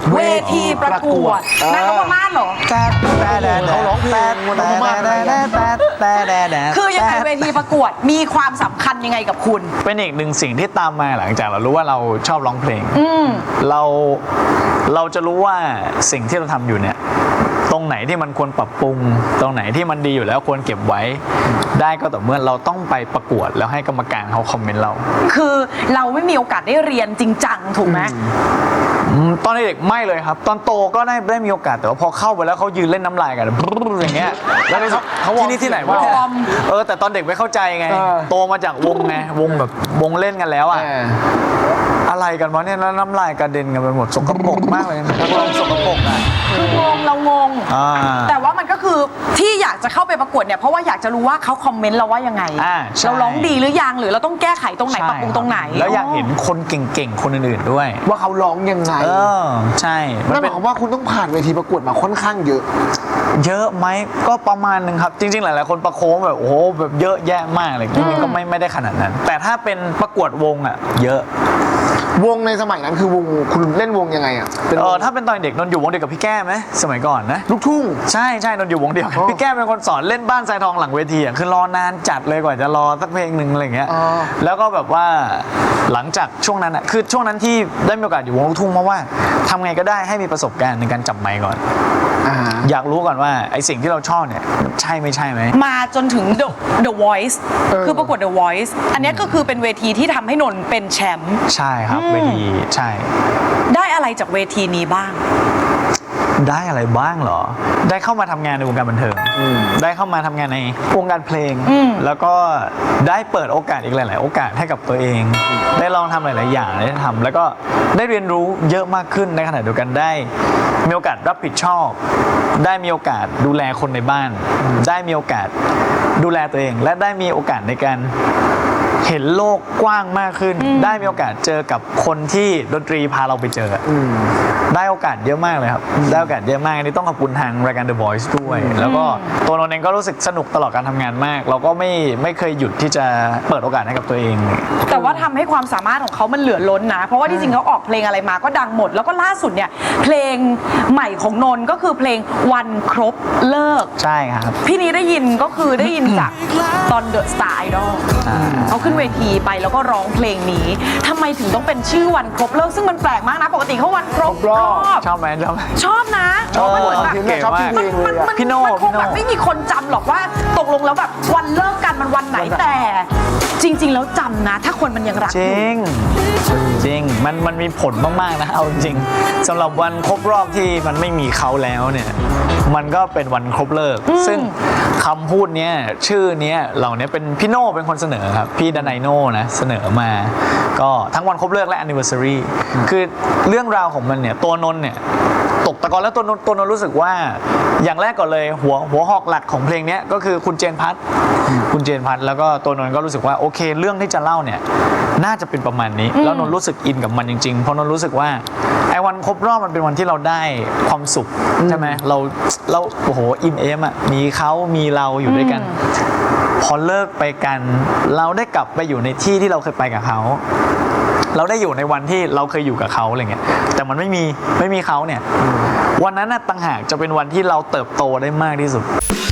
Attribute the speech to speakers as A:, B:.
A: เวทีประกวดนางนพมาศเหรอ
B: เขาร้องเพลงนพมาศ
A: คือยังไงเวทีประกวดมีความสำคัญยังไงกับคุณ
B: เป็นอีกหนึ่งสิ่งที่ตามมาหลังจากเรารู้ว่าเราชอบร้องเพลงเราจะรู้ว่าสิ่งที่เราทำอยู่เนี่ยตรงไหนที่มันควรปรับปรุงตรงไหนที่มันดีอยู่แล้วควรเก็บไว้ได้ก็ต่อเมื่อเราต้องไปประกวดแล้วให้กรรมการเขาคอมเมนต์เรา
A: คือเราไม่มีโอกาสได้เรียนจริงจังถูกไหม
B: ตอนเด็กไม่เลยครับตอนโตก็ได้มีโอกาสแต่ว่าพอเข้าไปแล้วเขายืนเล่นน้ำลายกันอย่างเงี้ยแล้วเขาที่นี่ที่ไหนวะแต่ตอนเด็กไม่เข้าใจไงโตมาจากวงไงวงแบบวงเล่นกันแล้วอ่ะอะไรกันวะเนี่ยแล้วน้ำลายกระเด็นกันไปหมดสกปรกมากเลยนักร้องสกปรกอ่ะ
A: คืองงเรางงแต่ว่ามันก็คือที่อยากจะเข้าไปประกวดเนี่ยเพราะว่าอยากจะรู้ว่าเขาคอมเมนต์เราว่ายังไงเราร้องดีหรือยังหรือเราต้องแก้ไขตรงไหนปรับปรุงตรงไหน
B: แล้วอยากเห็นคนเก่งๆคนอื่นๆด้วย
C: ว่าเขาร้องยังไง
B: ใช่
C: นั่นหมายความว่าคุณต้องผ่านเวทีประกวดมาค่อนข้างเยอะ
B: ไหมก็ประมาณนึงครับจริงๆหลายๆคนประโคมแบบโอ้โหแบบเยอะแยะมากเลยก็ไม่ได้ขนาดนั้นแต่ถ้าเป็นประกวดวงอ่ะเยอะ
C: วงในสมัยนั้นคือวงคุณเล่นวงยังไงอ่ะ
B: ถ้าเป็นตอนเด็กนนอยู่วงเดียวกับพี่แก้มไหมสมัยก่อนนะ
C: ลูกทุ่ง
B: ใช่นนอยู่วงเดียวพี่แก้มเป็นคนสอนเล่นบ้านทรายทองหลังเวทีอ่ะคือรอนานจัดเลยกว่าจะรอสักเพลงหนึ่งอะไรเงี้ยแล้วก็แบบว่าหลังจากช่วงนั้นอ่ะคือช่วงนั้นที่ได้มีโอกาสอยู่วงลูกทุ่งเพราะว่าทำไงก็ได้ให้มีประสบการณ์ในการจับไมค์ก่อนอยากรู้ก่อนว่าไอสิ่งที่เราชอบเนี่ยใช่ไม่ใช่ไหม
A: มาจนถึง The Voice คือประกวด The Voice อันนี้ก็คือเป็นเวทีที่ทำให้นนเป็นแชมป์
B: ใช่ครับเวทีใช่
A: ได้อะไรจากเวทีนี้บ้าง
B: ได้อะไรบ้างเหรอได้เข้ามาทำงานในวงการบันเทิงได้เข้ามาทำงานในวงการเพลงแล้วก็ได้เปิดโอกาสอีกหลายๆโอกาสให้กับตัวเองได้ลองทำหลายๆอย่างได้ทำแล้วก็ได้เรียนรู้เยอะมากขึ้นในขณะเดียวกันได้มีโอกาสรับผิดชอบได้มีโอกาสดูแลคนในบ้านได้มีโอกาสดูแลตัวเองและได้มีโอกาสในการเห็นโลกกว้างมากขึ้นได้มีโอกาสเจอกับคนที่ดนตรีพาเราไปเจอได้โอกาสเยอะมากเลยครับได้โอกาสเยอะมากอันนี้ต้องขอบคุณทางรายการ The Voice ด้วยแล้วก็ตัวนนท์เองก็รู้สึกสนุกตลอดการทำงานมากเราก็ไม่เคยหยุดที่จะเปิดโอกาสให้กับตัวเอง
A: แต่ว่าทำให้ความสามารถของเขามันเหลือล้นนะเพราะว่าที่จริงเขาออกเพลงอะไรมาก็ดังหมดแล้วก็ล่าสุดเนี่ยเพลงใหม่ของนนท์ก็คือเพลงวันครบเลิก
B: ใช่ครับ
A: พี่นี้ได้ยินก็คือได้ยินจากตอน The Star Idol เขาขึ้นเวทีไปแล้วก็ร้องเพลงนี้ทำไมถึงต้องเป็นชื่อวันครบเลิกซึ่งมันแปลกมากนะปกติเขาวันครบรอบ
B: ชอบไหม
A: ชอบนะ
B: มันเหมือนแบบเก๋มาก
A: พี่โน่แบบไม่มีคนจำหรอกว่าตกลงแล้วแบบวันเลิกกันมันวันไหนแต่จริงๆแล้วจำนะถ้าคนมันยังรัก
B: จริงมันมีผลมากๆนะเอาจริงสำหรับวันครบรอบที่มันไม่มีเขาแล้วเนี่ยมันก็เป็นวันครบเลิกซึ่งคำพูดเนี้ยชื่อเนี้ยเหล่านี้เป็นพี่โน่เป็นคนเสนอครับพี่ดนายโน่นะเสนอมาก็ทั้งวันครบเลิกและ anniversary คือเรื่องราวของมันเนี่ยตัวนนท์เนี่ยตกตะกอนแล้วตัวนนท์รู้สึกว่าอย่างแรกก่อนเลยหัวหอกหลักของเพลงนี้ก็คือคุณเจนพัทแล้วก็ตัวนนท์ก็รู้สึกว่าโอเคเรื่องที่จะเล่าเนี่ยน่าจะเป็นประมาณนี้แล้วนนท์รู้สึกอินกับมันจริงๆเพราะนนท์รู้สึกว่าไอ้วันครบรอบมันเป็นวันที่เราได้ความสุขใช่ไหมเราโอ้โหอินเอมอ่ะมีเขามีเราอยู่ด้วยกันพอเลิกไปกันเราได้กลับไปอยู่ในที่ที่เราเคยไปกับเขาเราได้อยู่ในวันที่เราเคยอยู่กับเขาอะไรเงี้ยแต่มันไม่มีเขาเนี่ยวันนั้นน่ะต่างหากจะเป็นวันที่เราเติบโตได้มากที่สุด